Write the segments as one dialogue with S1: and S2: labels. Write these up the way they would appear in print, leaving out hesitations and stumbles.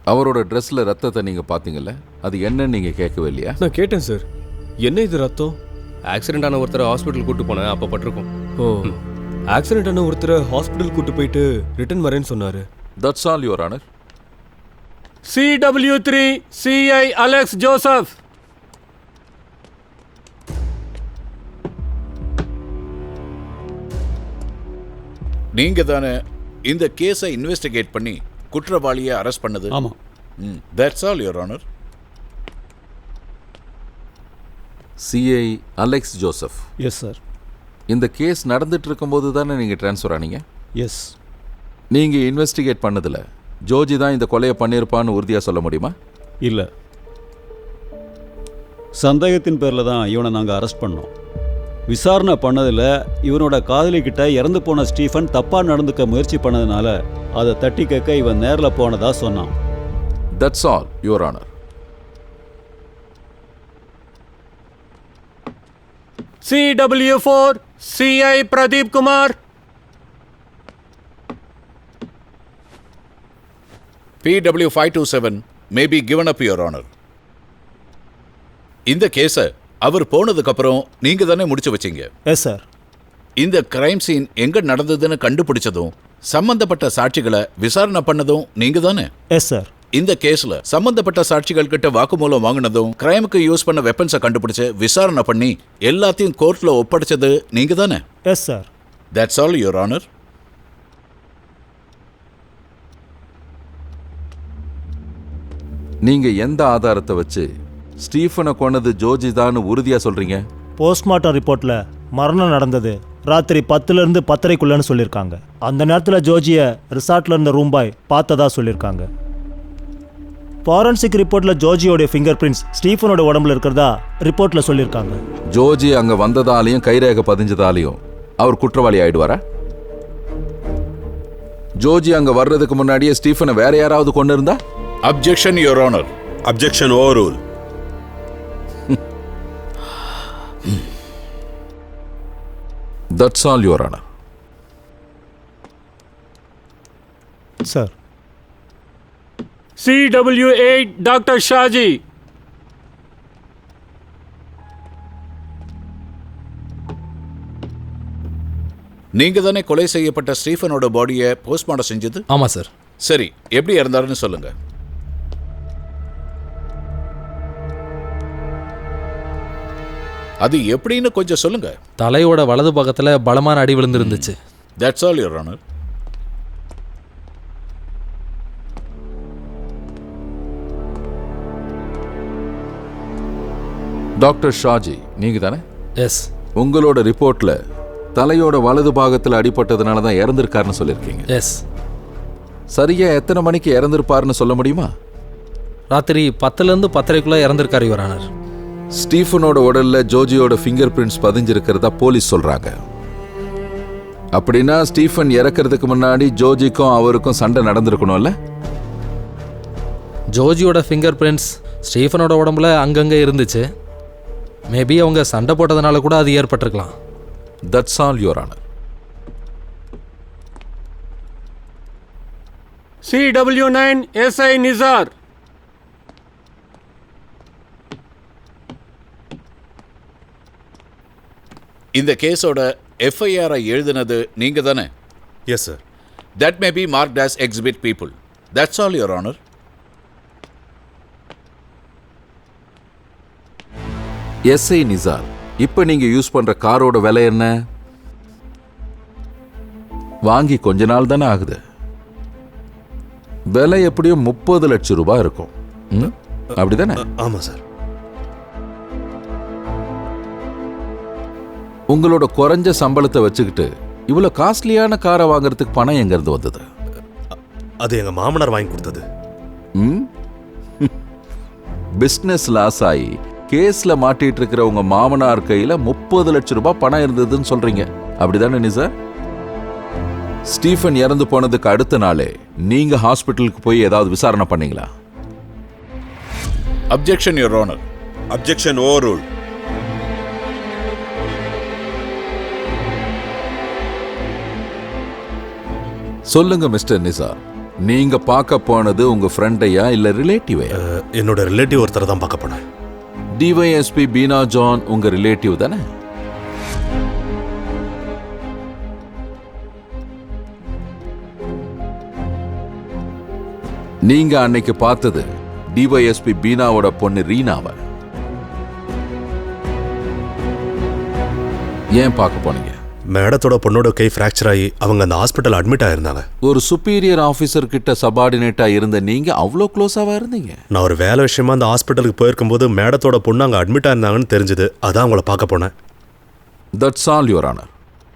S1: அவரோட ட்ரெஸ்ல ரத்தத்தை நீங்க பாத்தீங்கல்ல, அது என்னன்னு நீங்க கேட்கவே இல்லையா?
S2: நான் கேட்டேன் சார். என்ன இது ரத்தம்? ஆக்சிடென்ட் ஆன ஒருத்தரை ஹாஸ்பிட்டல் கூட்டு போனேன், அப்போ பட்டிருக்கும். ஓ, ஆக்சிடென்ட் ஆன ஒருத்தரை ஹாஸ்பிட்டல் கூட்டு போயிட்டு ரிட்டர்ன் வரேன்னு சொன்னாரு.
S1: That's all your honour.
S3: CW3 CI Alex Joseph.
S4: நீங்க தானே இந்த கேஸை இன்வெஸ்டிகேட் பண்ணி குற்றவாளியை அரெஸ்ட் பண்ணது?
S5: ஆமா.
S4: That's all your honour.
S1: CI Alex Joseph.
S5: Yes sir.
S1: இந்த கேஸ் நடந்துட்டு இருக்கும்போது தானே நீங்க ட்ரான்ஸ்ஃபர் ஆனீங்க?
S5: எஸ்.
S1: நீங்க இன்வெஸ்டிகேட் பண்ணதுல ஜோஜி தான் இந்த கொலையை பண்ணியிருப்பான்னு உறுதியா சொல்ல முடியுமா?
S5: இல்ல, சந்தேகத்தின் பேரில் தான் இவனை நாங்கள் அரெஸ்ட் பண்ணோம். விசாரணை பண்ணதில் இவனோட காதலிக்கிட்ட இறந்து போன ஸ்டீஃபன் தப்பாக நடந்துக்க முயற்சி பண்ணதுனால அதை தட்டி கேட்க இவன் நேரில் போனதா சொன்னான்.
S1: That's all your honour.
S3: CW4 CI Pradeep Kumar.
S4: PW527 may be given up, Your Honor. இந்த கேஸை அவர் போனதுக்கு அப்புறம் நீங்க தானே முடிச்சு வச்சீங்க?
S5: Yes sir.
S4: இந்த கிரைம் சீன் எங்க நடந்ததுன்னு கண்டுபிடிச்சதும் சம்பந்தப்பட்ட சாட்சிகளை விசாரணை பண்ணதும் நீங்க தானே?
S5: Yes sir.
S4: இந்த கேஸ்ல சம்பந்தப்பட்ட சாட்சிகள் கிட்ட வாக்குமூலம் வாங்கினதும் கிரைமுக்கு யூஸ் பண்ண வெப்பன்ஸை கண்டுபிடிச்சு விசாரணை பண்ணி எல்லாத்தையும் கோர்ட்ல ஒப்படைச்சது நீங்க தானே?
S5: Yes sir.
S4: That's all your honour.
S1: நீங்க எந்த ஆதாரத்தை வச்சு ஸ்டீஃபனை கொன்னது ஜோஜி தான் உறுதியா சொல்றீங்க?
S6: போஸ்ட்மார்ட்டம் ரிப்போர்ட்ல மரணம் நடந்தது ராத்திரி 10லேருந்து 10:30க்குள்ளன்னு சொல்லியிருக்காங்க. அந்த நேரத்தில் ஜோஜியை ரிசார்ட்ல இருந்த ரூம் பாய் பார்த்ததா சொல்லியிருக்காங்க. ஃபாரன்சிக் ரிப்போர்ட்ல ஜோஜியோடைய ஃபிங்கர் பிரிண்ட்ஸ் ஸ்டீஃபனோட உடம்புல இருக்கிறதா ரிப்போர்ட்ல சொல்லியிருக்காங்க.
S1: ஜோஜி அங்க வந்ததாலையும் கைரேகை பதிஞ்சதாலையும் அவர் குற்றவாளி ஆயிடுவாரா? ஜோஜி அங்க வர்றதுக்கு முன்னாடியே ஸ்டீஃபனை வேற யாராவது கொண்டு இருந்தா?
S4: Objection your honour.
S7: Objection overruled.
S1: That's all, Your Honor.
S6: Sir.
S3: CW8 Dr. Shaji.
S4: நீங்க தானே கொலை செய்யப்பட்ட ஸ்டீஃபனோட பாடியை போஸ்ட்மார்ட்டம் செஞ்சது?
S2: ஆமா சார்.
S4: சரி, எப்படி இறந்தாருன்னு சொல்லுங்க. அது எப்படின்னு கொஞ்சம் சொல்லுங்க.
S8: தலையோட வலது பக்கத்துல பலமான அடி விழுந்துருந்துச்சு.
S4: That's all your honour.
S1: Doctor Shaji நீங்க தானே?
S8: எஸ்.
S1: உங்களோட ரிப்போர்ட்ல தலையோட வலது பாகத்தில் அடிபட்டதுனால தான் இறந்திருக்காருன்னு சொல்லியிருக்கீங்க.
S8: எஸ்.
S1: சரியா எத்தனை மணிக்கு இறந்திருப்பாருன்னு சொல்ல முடியுமா?
S8: ராத்திரி 10லேருந்து 10:30க்குள்ள இறந்திருக்காரு யுவர் ஆனர்.
S1: ஸ்டீஃபனோட உடல்ல ஜோஜியோட ஃபிங்கர் பிரிண்ட்ஸ் பதிஞ்சிருக்கிறதா போலீஸ் சொல்றாங்க. அப்படின்னா ஸ்டீஃபன் இறக்கிறதுக்கு முன்னாடி ஜோஜிக்கும் அவருக்கும் சண்டை நடந்திருக்கணும்ல?
S8: ஜோஜியோட ஃபிங்கர் பிரிண்ட்ஸ் ஸ்டீஃபனோட உடம்புல அங்கங்கே இருந்துச்சு. மேபி அவங்க சண்டை போட்டதுனால கூட அது ஏற்பட்டிருக்கலாம்.
S1: That's all your honour.
S3: CW9 SI Nisar.
S4: இந்த கேஸோட FIR எழுதினது நீங்க தானே?
S7: Yes sir.
S4: That may be marked as exhibit people. That's all, Your Honor.
S1: SI Nisar, இப்போ நீங்க யூஸ் பண்ற காரோட விலை என்ன? வாங்கி கொஞ்ச நாள் தானே ஆகுது. விலை எப்படியும் 30 லட்சம் ரூபாய் இருக்கும். அப்படிதானே?
S7: ஆமா சார்.
S1: உங்களோட குறைஞ்ச சம்பளத்தை வச்சுக்கிட்டு இவ்வளவு காஸ்ட்லியான காரை வாங்குறதுக்கு பணம் எங்க இருந்து வந்தது?
S7: அது எங்க மாமனார் வாங்கி கொடுத்தது.
S1: பிசினஸ் லாஸ் ஆகி கேஸ்ல மாட்டிட்டு இருக்கிற உங்க மாமனார் கையில 30 லட்சம் ரூபாய் பணம் இருந்ததுன்னு சொல்றீங்க, அப்படிதானே நிசார்? ஸ்டீஃபன் இறந்து போனதுக்கு அடுத்த நாளே நீங்க ஹாஸ்பிட்டலுக்கு போய் ஏதாவது விசாரணை பண்ணீங்களா?
S4: Objection your honour.
S7: Objection overruled.
S1: சொல்லுங்க மிஸ்டர் நிசார், நீங்க பார்க்க போனது உங்க ஃப்ரெண்டையா இல்ல ரிலேட்டிவையா?
S7: என்னோட ரிலேட்டிவ் ஒருத்தரை தான் பார்க்க போனேன்.
S1: டிவைஎஸ்பி பீனா ஜான் உங்க ரிலேட்டிவ் தானே? நீங்க அன்னைக்கு பார்த்தது டிவைஎஸ்பி பீனாவோட பொண்ணு ரீனாவை. ஏன் பார்க்க போனீங்க?
S7: மேடத்தோட பொண்ணோட கை ஃப்ராக்சர் ஆகி அவங்க அந்த ஹாஸ்பிட்டல் அட்மிட் ஆயிருந்தாங்க.
S1: ஒரு சுப்பீரியர் ஆஃபீஸர் கிட்ட சபார்டினேட்டா இருந்த நீங்க அவ்வளோ க்ளோஸாவா இருந்தீங்க?
S7: நான் ஒரு வேலை விஷயமா அந்த ஹாஸ்பிட்டலுக்கு போயிருக்கும்போது மேடத்தோட பொண்ணு அங்கே அட்மிட் ஆயிருந்தாங்கன்னு தெரிஞ்சது. அதான் அவங்கள பார்க்க போனேன்.
S1: That's all your honour.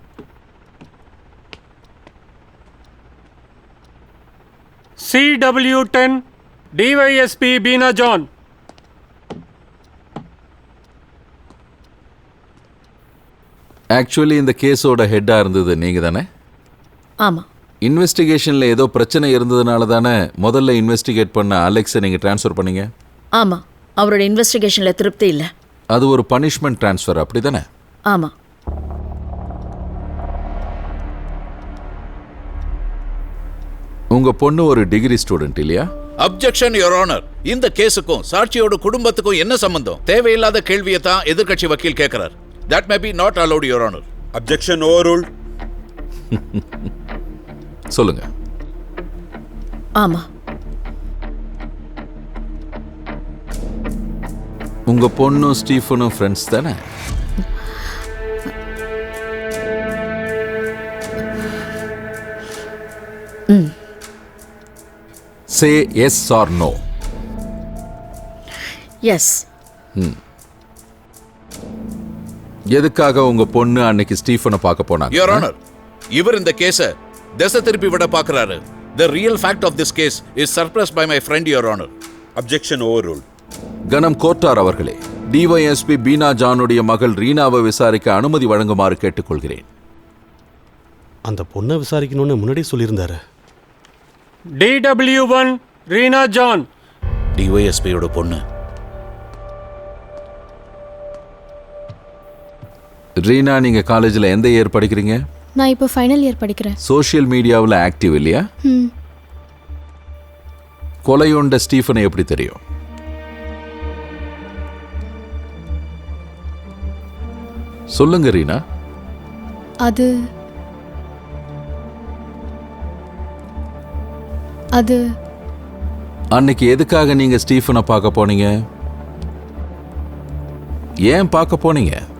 S3: CW10 DYSP Beena John.
S1: Actually இந்த கேஸோட ஹெட்டா இருந்தது நீங்க தானே?
S9: ஆமாம்.
S1: இன்வெஸ்டிகேஷன்ல ஏதோ பிரச்சனை இருந்ததுனால தானே முதல்ல இன்வெஸ்டிகேட் பண்ண அலெக்ஸை நீங்க ட்ரான்ஸ்ஃபர் பண்ணீங்க?
S9: ஆமாம், அவரோட இன்வெஸ்டிகேஷனில் திருப்தி இல்லை.
S1: அது ஒரு பனிஷ்மெண்ட் ட்ரான்ஸ்ஃபர், அப்படி தானே?
S9: ஆமாம்.
S1: உங்க பொண்ணு ஒரு டிகிரி ஸ்டூடெண்ட் இல்லையா?
S4: Objection your honour. இந்த கேஸுக்கும் சாட்சியோட குடும்பத்துக்கும் என்ன சம்பந்தம்? தேவையில்லாத கேள்வியை தான் எதிர்க்கட்சி வக்கீல் கேட்கிறார். That may be not allowed, Your Honor.
S7: Objection overruled.
S1: சொல்லுங்க.
S9: ஆமா.
S1: உங்க பொண்ணும் ஸ்டீஃபனும் ஃப்ரெண்ட்ஸ் தானே? Say yes or no.
S9: Yes.
S1: எதுக்காக உங்க பொண்ணு அன்னைக்கு ஸ்டீஃபனை பார்க்க போனாங்க?
S4: Your Honor, இவர் இந்த கேஸை திசை திருப்பி விட பார்க்கறாரு. The real fact of this case is suppressed by my friend, Your Honor.
S7: Objection overruled.
S1: கனம் கோட்டார் அவர்களே, டிவைஎஸ்பி பீனா ஜானுடைய மகள் ரீனாவை விசாரிக்க அனுமதி வழங்குமாறு கேட்டுக்கொள்கிறேன்.
S7: அந்த பொண்ணை விசாரிக்கணும்னு முன்னாடி சொல்லியிருந்தாரு.
S3: DW1 Reena John.
S4: டிவைஎஸ்பியோட பொண்ணு.
S1: ரீனா, நீங்க காலேஜ்ல எந்த இயர் படிக்கிறீங்க?
S10: நான் இப்போ ஃபைனல் இயர் படிக்கிறேன்.
S1: சோஷியல் மீடியாவில் ஆக்டிவ் இல்லையா? கொலையுண்ட ஸ்டீஃபனை எப்படி தெரியும்? சொல்லுங்க ரீனா.
S10: அது
S1: அன்னைக்கு எதுக்காக நீங்க ஸ்டீஃபனை பார்க்க போனீங்க? ஏன் பார்க்க போனீங்க?